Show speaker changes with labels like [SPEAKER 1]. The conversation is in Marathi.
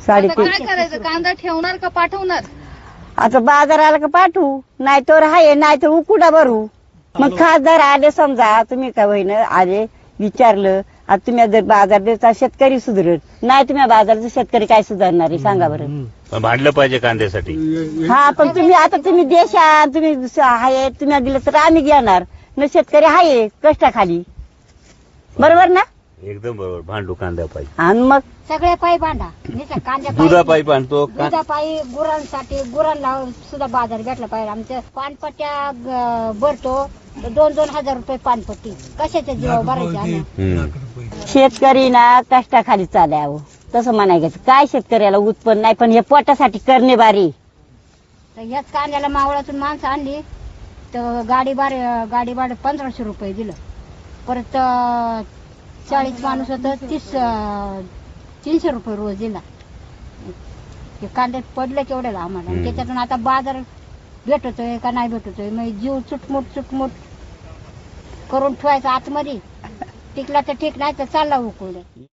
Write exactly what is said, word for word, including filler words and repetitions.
[SPEAKER 1] साडेतीन.
[SPEAKER 2] काय करायचं? कांदा ठेवणार का पाठवणार?
[SPEAKER 1] आता बाजाराला का पाठवू, नाही तर आहे नाही तर उकुडा भरू. मग खासदार आले समजा, तुम्ही काय होईन आले विचारलं, आता तुम्ही जर बाजार देता शेतकरी सुधारत नाही, तुम्ही बाजारचा शेतकरी काय सुधारणार आहे सांगा बरं.
[SPEAKER 3] पण भांडलं पाहिजे कांद्यासाठी.
[SPEAKER 1] हा पण तुम्ही आता तुम्ही देशा तुम्ही आहे तुम्ही दिलं तर आम्ही घेणार न, शेतकरी आहे कष्टाखाली, बरोबर ना.
[SPEAKER 3] एकदम बरोबर, भांडू कांद्या पाहिजे.
[SPEAKER 1] आणि मग
[SPEAKER 4] सगळ्या पायी बांधा नाही कांद्या
[SPEAKER 3] दुधापायी भांडतो.
[SPEAKER 4] दुधापायी गुरांसाठी गुरांना सुद्धा बाजार भेटला पाहिजे. आमच्या पानपट्ट्या ग- भरतो तर दोन दोन हजार रुपये पानपट्टी, कशाच्या जीवा भरायचे आम्ही.
[SPEAKER 3] हम्म.
[SPEAKER 1] शेतकरी ना कष्टाखाली चालावं तसं म्हणायचं. काय शेतकऱ्याला उत्पन्न नाही, पण हे पोटासाठी करणे बारी.
[SPEAKER 4] तर ह्याच कांद्याला मावळातून माणसं आणली तर गाडी भाडे गाडी भाडे पंधराशे रुपये दिलं. परत अं, चाळीस माणूस होतं तीस अं, तीनशे रुपये रोज दिला. ते कांदे पडले केवढ्याला आम्हाला. आणि त्याच्यातून आता बाजार भेटतोय का नाही भेटतोय, मग जीव चुटमुट चुटमुट करून ठेवायचा आतमध्ये. टिकला तर ठीक, नाही तर चालला उकळले.